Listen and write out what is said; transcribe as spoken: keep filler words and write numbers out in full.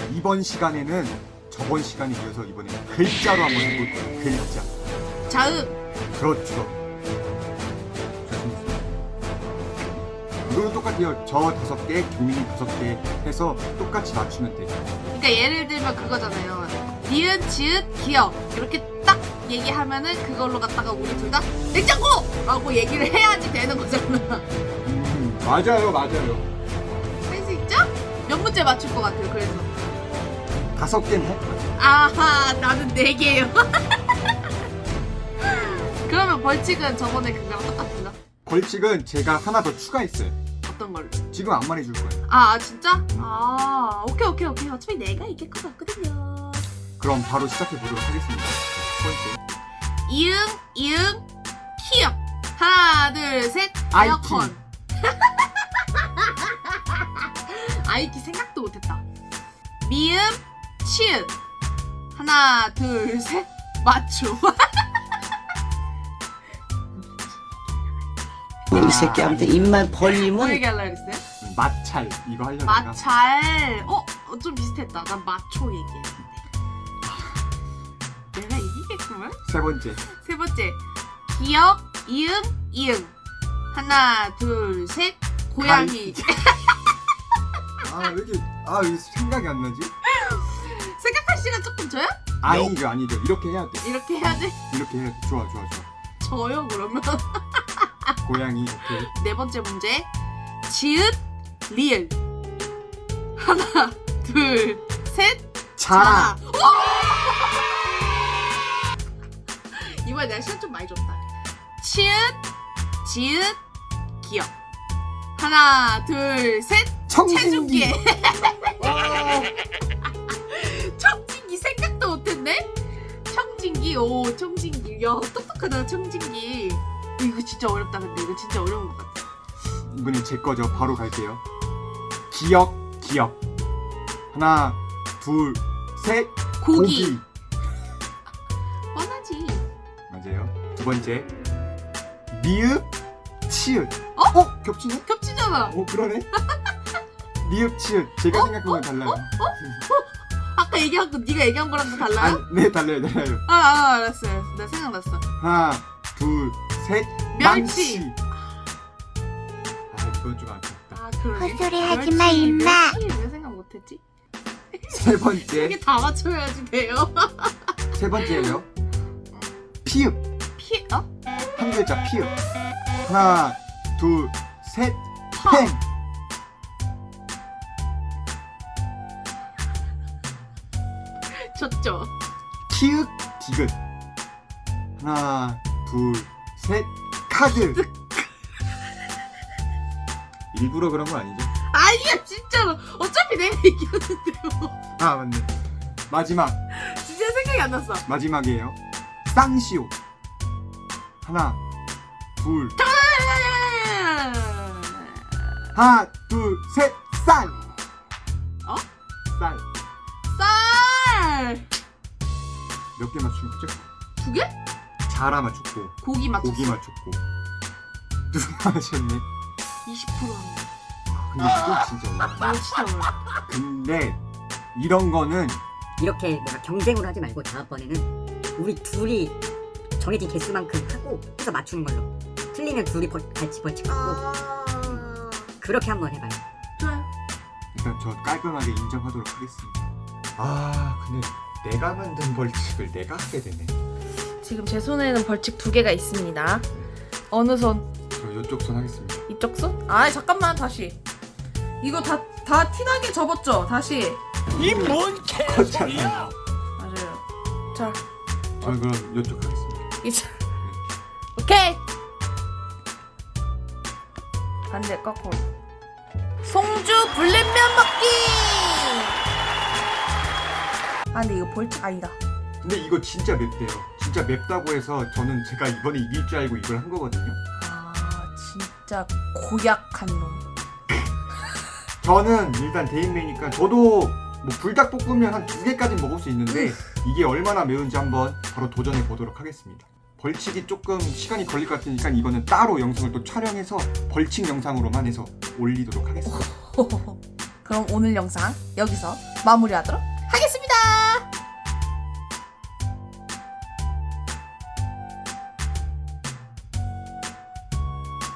이번 시간에는 저번 시간에 이어서 이번에 글자로 한번 해볼 거예요. 글자. 자음. 그렇죠. 이거는 똑같아요. 저 다섯 개, 경민이 다섯 개 해서 똑같이 맞추면 돼요. 그러니까 예를 들면 그거잖아요. 니은, 지읒, 기역 이렇게 딱 얘기하면은 그걸로 갖다가 우리 둘 다 냉장고! 라고 얘기를 해야지 되는 거잖아. 음, 맞아요, 맞아요. 할 수 있죠? 몇 문제 맞출 것 같아요, 그래서. 다섯 개는 할 거예요. 아하, 나는 네 개예요. 그러면 벌칙은 저번에 그거랑 똑같은가? 벌칙은 제가 하나 더 추가했어요. 어떤 걸로? 지금 안 말해줄 거예요. 아, 아 진짜? 아 오케이 오케이 오케이. 어차피 내가 이길 것 같거든요. 그럼 바로 시작해 보도록 하겠습니다. 첫 번째. 이응 이응 키역. 하나 둘 셋. 에어컨. 아이키 생각도 못했다. 미음 치읓. 하나 둘 셋. 맞춤. 이 새끼한테 입만 뭐 벌리면 얘기하려고 했어요? 마찰 이거 하려다가 마찰. 어? 어, 좀 비슷했다. 난 마초 얘기했는데. 내가 이기겠구만. 세 번째. 세 번째. 기역 이응 이응. 하나 둘 셋. 고양이. 아 왜 이렇게 아 왜 생각이 안 나지? 생각할 시간 조금 줘요? 아니죠 아니죠 이렇게 해야 돼. 이렇게 해야 돼? 이렇게 해야 돼. 좋아 좋아 좋아. 저요 그러면. 고양이 오케이. 네 번째 문제. 지읒 리을. 하나 둘 셋. 자라. 이번에 내가 시간 좀 많이 줬다. 치읓 지읒 기역. 하나 둘 셋. 청진기. 체중계. 청진기 생각도 못했네. 청진기. 오 청진기. 야 똑똑하다 청진기. 이거 진짜 어렵다. 근데 이거 진짜 어려운 것 같아. 이번엔 제 거죠. 바로 갈게요. 기역 기역. 하나 둘 셋. 고기. 고기. 뻔하지. 맞아요. 두 번째. 미읍 치읓. 어? 어? 겹치네? 겹치잖아. 어 그러네. 미읍 치읓. 제가 생각한 건 달라요. 아까 얘기한 거 네가 얘기한 거랑 또 달라요? 아, 네 달라요 달라요. 아, 아 알았어요. 알았어. 나 생각났어. 하나 둘 셋. 멸치. 망치. 아 이건 좀 아깝다. 아 그러게. 헛소리 하지 멸치, 마, 임마. 멸치 왜 생각 못했지? 세 번째. 이게 다 맞춰야지 돼요. 세 번째예요. 피읍. 피 어? 한 글자 피읍. 하나 둘 셋. 터. 펜. 졌죠. 키읔 디귿. 하나 둘 셋. 카드. 일부러 그런 건 아니죠? 아니야 진짜로. 어차피 내가 이겼는데 뭐. 아 맞네. 마지막 진짜 생각이 안 났어. 마지막이에요. 쌍시오. 하나 둘 하나 둘 셋. 쌀. 어? 쌀. 쌀. 몇 개 맞춘 거죠? 두 개? 자라 맞췄고 고기 맞췄어. 고기 맞췄고 누가 맞췄네? 이십 퍼센트 한 거. 근데 이거 진짜 어려워. 이거 진짜 어려워. 근데 이런 거는 이렇게 내가 경쟁을 하지 말고 다음번에는 우리 둘이 정해진 개수만큼 하고 해서 맞추는 걸로. 틀리면 둘이 벌, 같이 벌칙 받고 아... 그렇게 한번 해봐요. 좋아요. 일단 저 깔끔하게 인정하도록 하겠습니다. 아 근데 내가 만든 벌칙을 내가 하게 되네. 지금 제 손에는 벌칙 두 개가 있습니다. 어느 손? 저 이쪽 손 하겠습니다. 이쪽 손? 아 잠깐만 다시. 이거 다 다 티나게 접었죠? 다시. 이뭔 개소리야? 맞아요. 자, 저 그럼 이쪽 하겠습니다. 이제 오케이. 반대 거꾸로. 송주 불냉면 먹기. 아 근데 이거 벌칙 아니다. 근데 이거 진짜 맵대요. 진짜 맵다고 해서 저는 제가 이번에 이길 줄 알고 이걸 한 거거든요. 아 진짜 고약한 놈. 저는 일단 대인배니까 저도 뭐 불닭볶음면 한 두 개까지는 먹을 수 있는데 이게 얼마나 매운지 한번 바로 도전해 보도록 하겠습니다. 벌칙이 조금 시간이 걸릴 것 같으니까 이거는 따로 영상을 또 촬영해서 벌칙 영상으로만 해서 올리도록 하겠습니다. 그럼 오늘 영상 여기서 마무리하도록